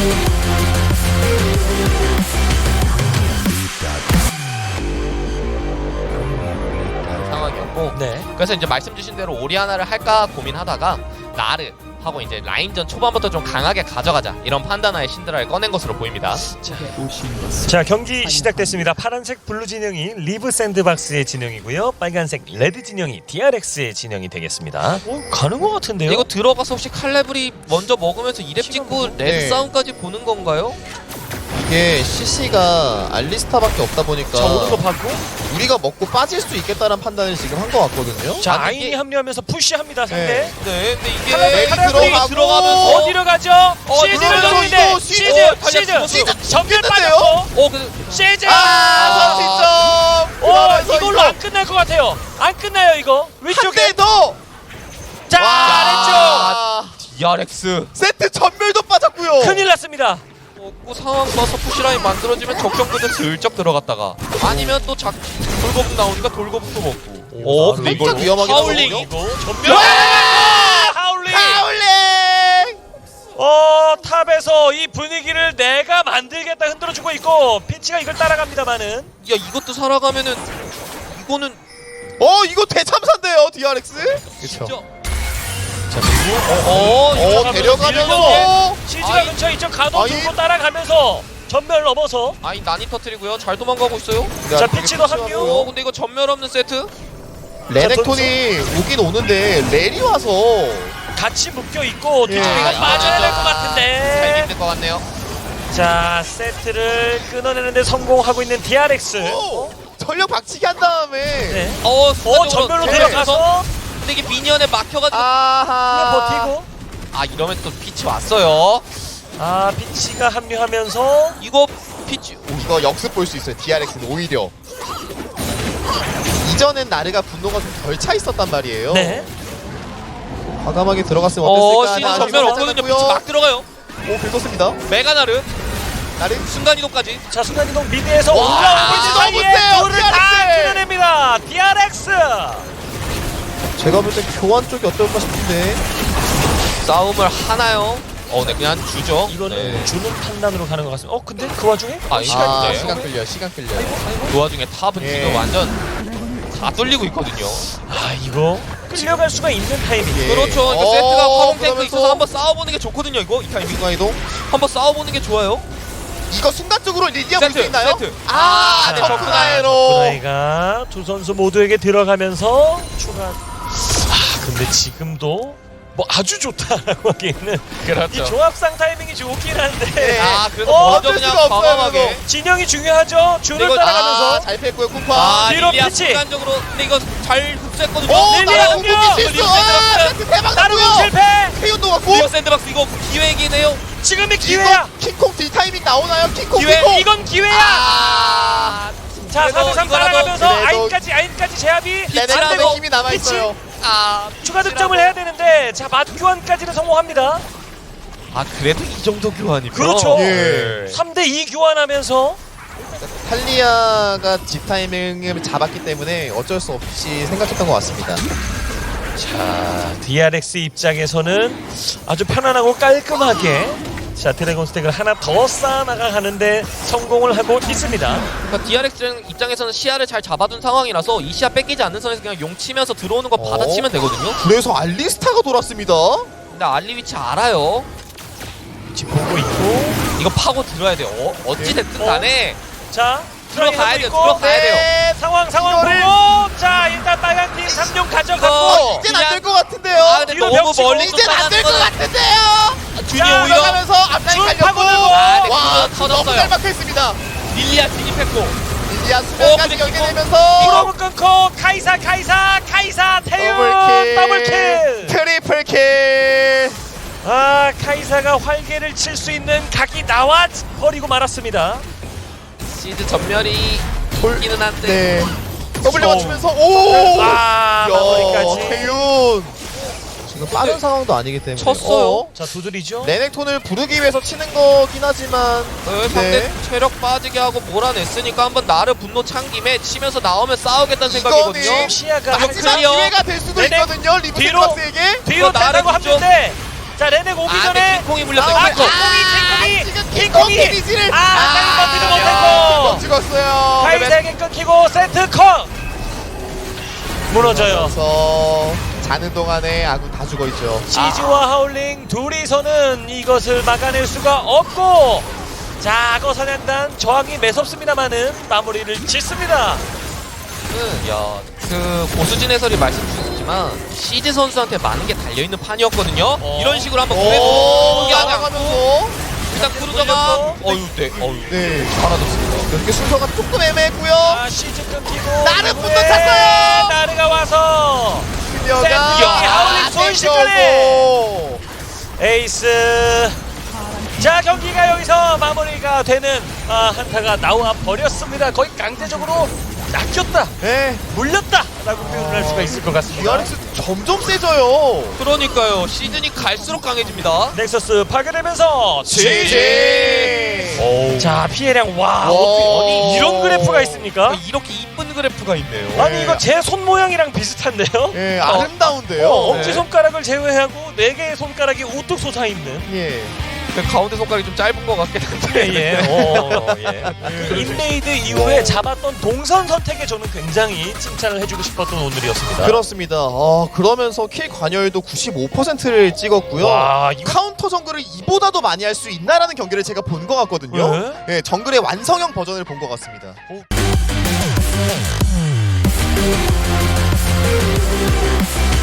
상황이었고 네. 그래서 이제 말씀 주신 대로 오리아나를 할까 고민하다가 나르 하고 이제 라인전 초반부터 좀 강하게 가져가자 이런 판단하에 신드라를 꺼낸 것으로 보입니다. 자, 경기 시작됐습니다. 파란색 블루 진영이 리브 샌드박스의 진영이고요. 빨간색 레드 진영이 DRX의 진영이 되겠습니다. 가는 것 같은데요? 이거 들어가서 혹시 칼레브리 먼저 먹으면서 2렙 찍고 레드 네. 싸움까지 보는 건가요? 이게 CC가 알리스타밖에 없다 보니까 자, 오는 거 받고. 우리가 먹고 빠질 수 있겠다는 판단을 지금 한 것 같거든요. 자, 아니, 아인이 이게- 합류하면서 푸시합니다. 상대. 네. 네, 근데 이게 칼레브리 들어가고 들어가면서 어디로 가죠? 시즈를 들어가죠, 노리는데 이거 시즈 달렸어. 시즈 전면 됐는데요? 빠졌고 근데 시즈 선취점! 이걸로 안 끝날 것 같아요. 안 끝나요 이거. 위쪽에 한대 더! 자 와. DRX 세트 전멸도 빠졌고요. 아래쪽 큰일 났습니다. 먹고 상황 봐서 푸시라인 만들어지면 적정부대 슬쩍 들어갔다가 아니면 또 돌거북 나오니까 돌거북도 먹고 근데 이걸 살짝 위험하게 하울링 나오거든요? 이거 전면 하울링. 하울링! 탑에서 이 분위기를 내가 만들겠다 흔들어주고 있고 핀치가 이걸 따라갑니다만은 야 이것도 살아가면은 이거는 이거 대참사인데요, DRX? 진짜 자 그리고 데려가면서 시즈가 아이. 근처에 있죠. 가도 아이. 들고 따라가면서 전멸 넘어서 아니 난이 터트리고요 잘 도망가고 있어요 자, 피치도 합류. 근데 이거 전멸 없는 세트 레넥톤이 오긴 오는데 렐이 와서 같이 묶여 있고 예. 뒤쪽이가 아, 빠져야 될 것 잘 같은데. 힘들 것 같네요 자 세트를 끊어내는데 성공하고 있는 DRX. 전력 박치기 한 다음에 네. 순간적으로 전멸로 네. 들어가서 근데 이게 미니언에 막혀가지고 아하 버티고. 이러면 또 피치 왔어요 피치가 합류하면서 이거 피치 이거 역습 볼 수 있어요. DRX는 오히려 이전엔 나르가 분노가 좀 덜 차 있었단 말이에요. 네. 과감하게 들어갔으면 어땠을까? 시즌 하나 전멸 아쉬움이 없거든요 있잖아요. 피치 막 들어가요 오, 긁었습니다. 메가나르 나르 순간이동까지 자 순간이동 미드에서 와, 올라오고 있는 너무 사이에 세요, 둘을 다 DRX. 끊어냅니다. DRX. 제가 볼 때 교환 쪽이 어떨까 싶은데 싸움을 하나요? 네 그냥 주죠 이거는 네. 주는 판단으로 가는 것 같습니다. 근데 그 와중에 시간인데 시간 끌려 시간 끌려 그 와중에 탑은 예. 지금 완전 다 뚫리고 있거든요 이거 끌려갈 수가 있는 타이밍. 예. 그렇죠 그러니까 세트가 화공 탱크 그러면서 있어서 한번 싸워보는 게 좋거든요 이거 이 타이밍 순간이동 한번 싸워보는 게 좋아요 이거 순간적으로 리디아 볼 수 세트, 있나요? 세트. 네, 자, 적군아에로 나이가 두 선수 모두에게 들어가면서 추가. 근데 지금도 뭐 아주 좋다라고 하기에는 그렇죠 이 조합상 타이밍이 좋긴 한데 네. 그래서 먼저 어쩔 그냥 수가 없어요, 과감하게 진영이 중요하죠. 줄을 이거- 따라가면서 잘 뺐고요 쿠파 뒤로 릴리아 피치. 순간적으로 근데 이거 잘 흡수했거든요 오 릴리아 나라 공격! 공격기 실수 세트 대박 나르고 났고요 실패. 페이온도 갔고 리어 샌드박스 이거 기회이긴 해요 지금이 기회야. 이거 킹콩 딜타이밍 나오나요? 킹콩 기회, 킹콩 이건 기회야. 자 그래도 4대3 이거라도- 따라가면서 그래도- 아인까지 제압이 레넥톤의 안되고 힘이 남아있어요 추가 득점을 해야 되는데 자 맞교환까지는 성공합니다. 그래도 이 정도 교환이면 그렇죠. 예. 3대2 교환하면서 탈리아가 집 타이밍을 잡았기 때문에 어쩔 수 없이 생각했던 것 같습니다. 자 DRX 입장에서는 아주 편안하고 깔끔하게 자 드래곤 스택을 하나 더 쌓아나가 하는데 성공을 하고 있습니다. 그러니까 DRX 입장에서는 시야를 잘 잡아둔 상황이라서 이 시야 뺏기지 않는 선에서 그냥 용 치면서 들어오는 거 받아치면 되거든요 그래서 알리스타가 돌았습니다. 근데 알리 위치 알아요 지금 보고 있고 이거 파고 들어야 돼요 어찌됐든 간에 자 들어가야 돼요 있고. 들어가야 돼요 네, 상황 이거를- 보고 자 일단 빨간 팀 3용 가져갔고 이젠 안 될 것 같은데요. 근데 뒤로 너무 벽치고 멀리 이젠 안 될 것 같은데요. 준이 자, 오히려 올라가면서 앞라인 줄 갈렸고 파고들고. 네, 와 그거 너무 터졌어요. 잘 막혀있습니다. 릴리아 진입했고 인디아 수면까지 근데 연계되면서 프로브 끊고 카이사 태윤 더블킬. 트리플킬. 카이사가 활개를 칠 수 있는 각이 나와 버리고 말았습니다. 시드 전멸이 있기는 한데 네. W 맞추면서 오. 마무리까지. 태윤. 지금 빠른 상황도 아니기 때문에 쳤어요. 자 두드리죠. 레넥톤을 부르기 위해서 치는 거긴 하지만 상대 네. 체력 빠지게 하고 몰아냈으니까 한번 나를 분노 찬 김에 치면서 나오면 싸우겠다는 생각이거든요 이거는 시야가 마지막 클리어. 기회가 될 수도 레넥 있거든요. 리브 뒤로. 샌드박스에게. 뒤로 이거 나를 된다고 붙죠. 합는데 자 레넥 오기 전에 킹콩이 물렸어요 킹콩이 지금 주인공이 데미지를 버티지 못했고 못 찍었어요. 하이색이 끊기고 세트 컷 무너져요. 그래서 자는 동안에 아군 다 죽어 있죠. 시즈와 하울링 둘이서는 이것을 막아낼 수가 없고 자 악어 사냥단 저항이 매섭습니다만은 마무리를 짓습니다. 그 고수진 해설이 말씀 주셨지만 시즈 선수한테 많은 게 달려있는 판이었거든요. 이런 식으로 한번 포기하지 않고 나가면서 일단 크루저가 네. 사라졌습니다. 이렇게 순서가 조금 애매했고요. 아 시즈 끊기고 나르 분도 찼어요. 나르가 와서 그녀가 하울링 순식간에 에이스. 자 경기가 여기서 마무리가 되는 한타가 나와 버렸습니다. 거의 강제적으로 낚였다, 네. 물렸다 라고 표현을 할 수가 있을 것 같습니다. DRX 점점 세져요. 그러니까요. 시즌이 갈수록 강해집니다. 넥서스 파괴되면서 GG. 자 피해량 와 오. 아니 이런 그래프가 있습니까? 이렇게 이쁜 그래프가 있네요. 아니 이거 제 손 모양이랑 비슷한데요? 예, 아름다운데요. 엄지손가락을 제외하고 4개의 손가락이 우뚝 솟아있는 예. 가운데 손가락이 좀 짧은 것 같긴 한데. 그 인레이드 이후에 잡았던 동선 선택에 저는 굉장히 칭찬을 해주고 싶었던 오늘이었습니다. 그렇습니다. 그러면서 킬 관여율도 95%를 찍었고요. 와, 이거- 카운터 정글을 이보다도 많이 할 수 있나라는 경기를 제가 본 것 같거든요. 예, 정글의 완성형 버전을 본 것 같습니다. 오.